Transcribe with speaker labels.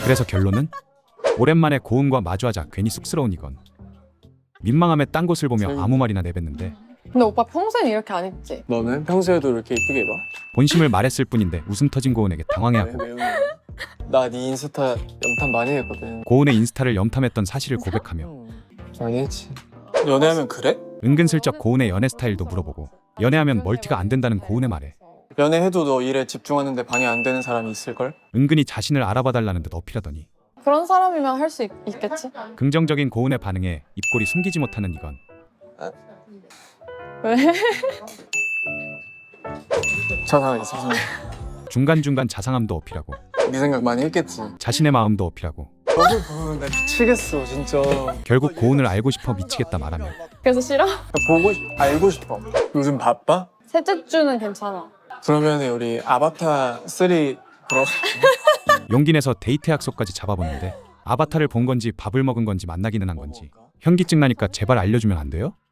Speaker 1: 그래서 결론은 오랜만에 고은과 마주하자 괜히 쑥스러운 이건. 민망함에 딴 곳을 보며 아무 말이나 내뱉는데
Speaker 2: 근데 오빠 평소엔 이렇게 안 입지?
Speaker 3: 너는 평소에도 이렇게 이쁘게 입어?
Speaker 1: 본심을 말했을 뿐인데 웃음 터진 고은에게 당황해하고
Speaker 3: 나 네 인스타 염탐 많이 했거든.
Speaker 1: 고은의 인스타를 염탐했던 사실을 고백하며
Speaker 3: 많이 했지. 연애하면 그래?
Speaker 1: 은근슬쩍 고은의 연애 스타일도 물어보고 연애하면 멀티가 안 된다는 고은의 말에
Speaker 3: 연애해도 너 일에 집중하는데 방해 안 되는 사람이 있을걸?
Speaker 1: 은근히 자신을 알아봐달라는 듯 어필하더니
Speaker 2: 그런 사람이면 할 수 있겠지?
Speaker 1: 긍정적인 고은의 반응에 입꼬리 숨기지 못하는 이건.
Speaker 2: 왜?
Speaker 3: 자상하게 있어서.
Speaker 1: 중간중간 자상함도 어필하고
Speaker 3: 네 생각 많이 했겠지.
Speaker 1: 자신의 마음도 어필하고
Speaker 3: 너를 보면 나 미치겠어 진짜.
Speaker 1: 결국 고은을 알고 싶어 미치겠다 말하며
Speaker 2: 그래서 싫어?
Speaker 3: 알고 싶어. 요즘 바빠?
Speaker 2: 셋째 주는 괜찮아.
Speaker 3: 그러면 우리 아바타 3 보러
Speaker 1: 용기 내서 데이트 약속까지 잡아보는데 아바타를 본 건지 밥을 먹은 건지 만나기는 한 건지 현기증 나니까 제발 알려주면 안 돼요?